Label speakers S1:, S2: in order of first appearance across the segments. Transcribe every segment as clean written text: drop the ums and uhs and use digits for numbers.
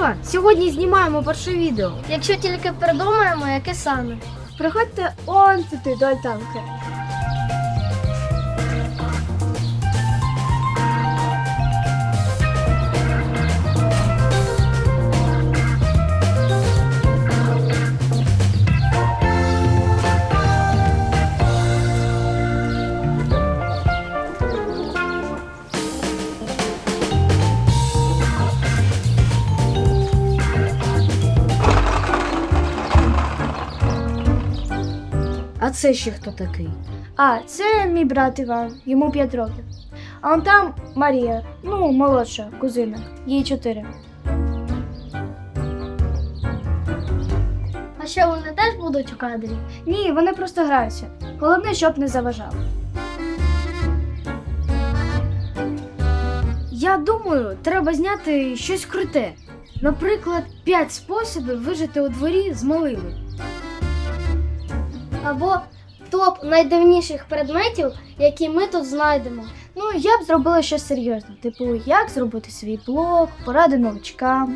S1: Ура! Сьогодні знімаємо перше відео.
S2: Якщо тільки придумаємо, яке саме.
S3: Приходьте он туди до альтанки.
S1: А це ще хто такий?
S3: А, це мій брат Іван, йому 5 років. А он там Марія, молодша кузина, їй 4.
S2: А що, вони теж будуть у кадрі?
S3: Ні, вони просто граються. Головне, щоб не заважали.
S1: Я думаю, треба зняти щось круте. Наприклад, 5 способів вижити у дворі з малими.
S2: Або топ найдивніших предметів, які ми тут знайдемо.
S3: Я б зробила щось серйозне, типу, як зробити свій блог, поради новачкам.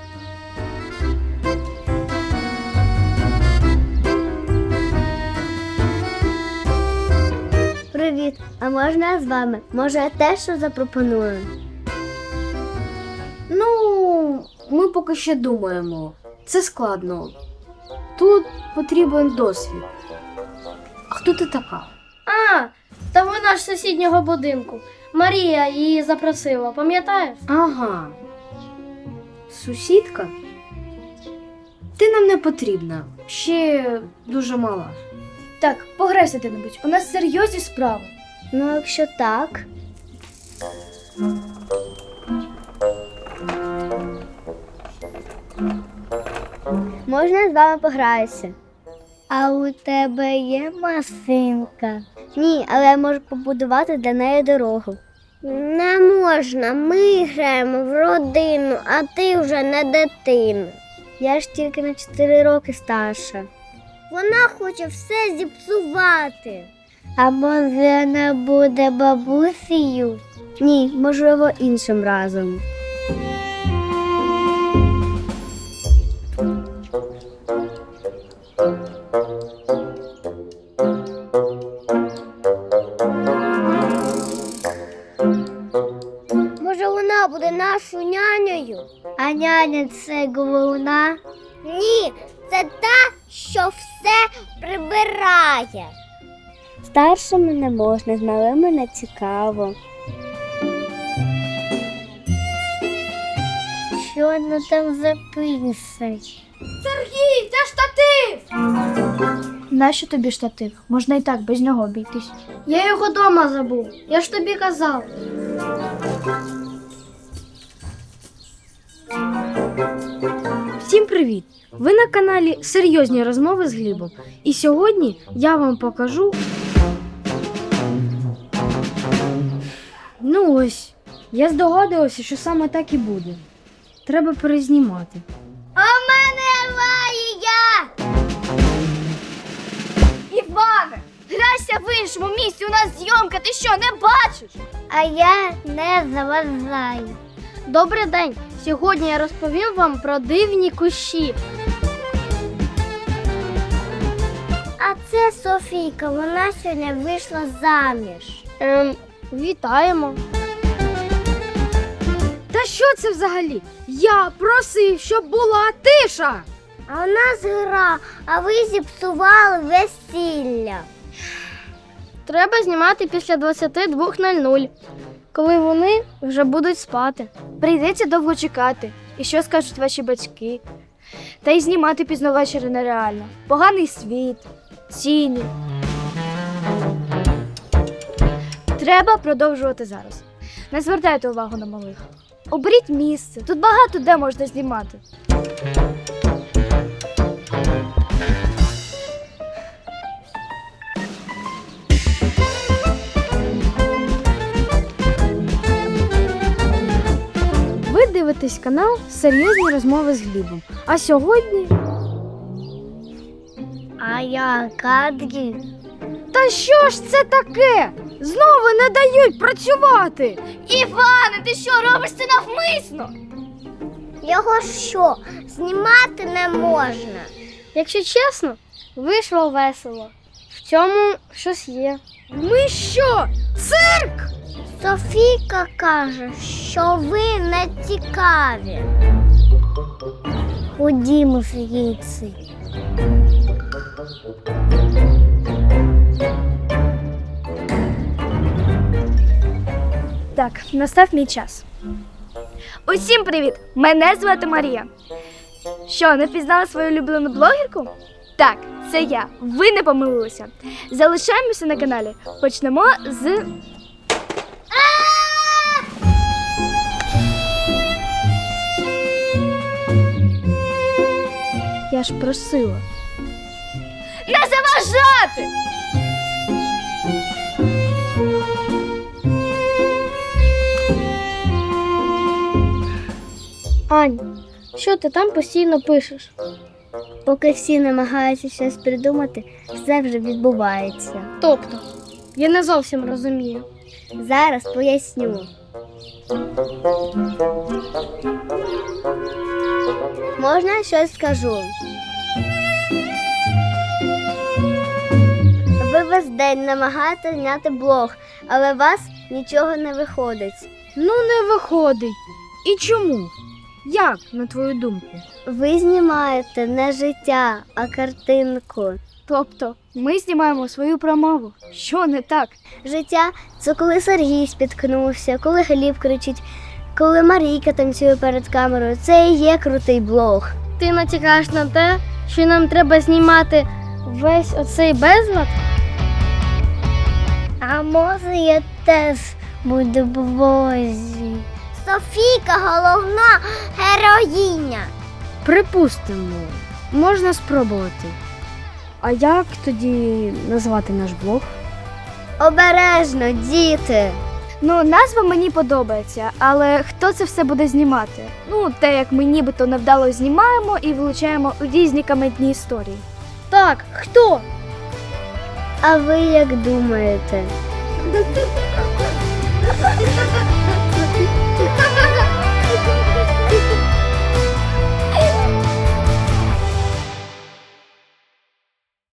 S4: Привіт, а можна я з вами? Може, я теж що запропоную?
S1: Ми поки ще думаємо. Це складно. Тут потрібен досвід. А хто ти така?
S2: А, та вона ж з сусіднього будинку. Марія її запросила, пам'ятаєш?
S1: Ага. Сусідка? Ти нам не потрібна. Ще дуже мала.
S3: Так, пограйся де-небудь, у нас серйозні справи.
S4: Ну, якщо так. Можна я з вами пограюся? А у тебе є машинка? Ні, але я можу побудувати для неї дорогу. Не можна, ми граємо в родину, а ти вже не дитина. Я ж тільки на 4 роки старша. Вона хоче все зіпсувати. А може не буде бабусею? Ні, можливо, іншим разом. Може, вона буде нашою нянею? А няня – це головна? Ні, це та, що все прибирає. Старшими не можна, з малими не цікаво. Що вона там записать?
S2: Сергій, це штатив!
S3: Нащо тобі штатив? Можна і так, без нього обійтись.
S2: Я його дома забув, я ж тобі казав.
S1: Всім привіт! Ви на каналі Серйозні розмови з Глібом. І сьогодні я вам покажу... Ось, я здогадувався, що саме так і буде. Треба перезнімати.
S4: А в мене Марія!
S3: Іване, грайся в іншому місці, у нас зйомка, ти що, не бачиш?
S4: А я не заважаю.
S2: Добрий день! Сьогодні я розповім вам про дивні кущі.
S4: А це Софійка, вона сьогодні вийшла заміж.
S2: Вітаємо.
S1: Та що це взагалі? Я просив, щоб була тиша!
S4: А у нас гра, а ви зіпсували весілля.
S2: Треба знімати після 22:00, коли вони вже будуть спати.
S3: Прийдеться довго чекати. І що скажуть ваші батьки? Та й знімати пізно ввечері нереально. Поганий світ, ціни. Треба продовжувати зараз. Не звертайте увагу на малих. Оберіть місце. Тут багато де можна знімати.
S1: Ви дивитесь канал Серйозні розмови з Глібом. А сьогодні...
S4: А я кадрі.
S1: Та що ж це таке? Знову не дають працювати.
S3: Іване, ти що, робиш це навмисно?
S4: Його що, знімати не можна?
S2: Якщо чесно, вийшло весело. В цьому щось є.
S3: Ми що? Цирк?
S4: Софійка каже, що ви не цікаві. Ходімо звідси.
S3: Так, настав мій час. Усім привіт! Мене звати Марія. Що, не впізнали свою улюблену блогерку? Так, це я. Ви не помилилися. Залишаємося на каналі. Почнемо з. Я ж просила. Не заважати!
S2: Ань, що ти там постійно пишеш?
S4: Поки всі намагаються щось придумати, все вже відбувається.
S2: Тобто, я не зовсім розумію.
S4: Зараз поясню. Можна щось скажу? Ви весь день намагаєтесь зняти блог, але у вас нічого не виходить.
S1: Ну, не виходить. І чому? Як, на твою думку?
S4: Ви знімаєте не життя, а картинку.
S3: Тобто, ми знімаємо свою промову. Що не так?
S4: Життя – це коли Сергій спіткнувся, коли Гліб кричить, коли Марійка танцює перед камерою. Це і є крутий блог.
S2: Ти натякаєш на те, що нам треба знімати весь оцей безлад?
S4: А може я теж буду в блозі? Софійка – головна героїня.
S1: Припустимо, можна спробувати. А як тоді назвати наш блог?
S4: Обережно, діти.
S3: Ну, назва мені подобається, але хто це все буде знімати? Ну, те, як ми нібито невдало знімаємо і влучаємо у різні комедні історії.
S2: Так, хто?
S4: А ви як думаєте?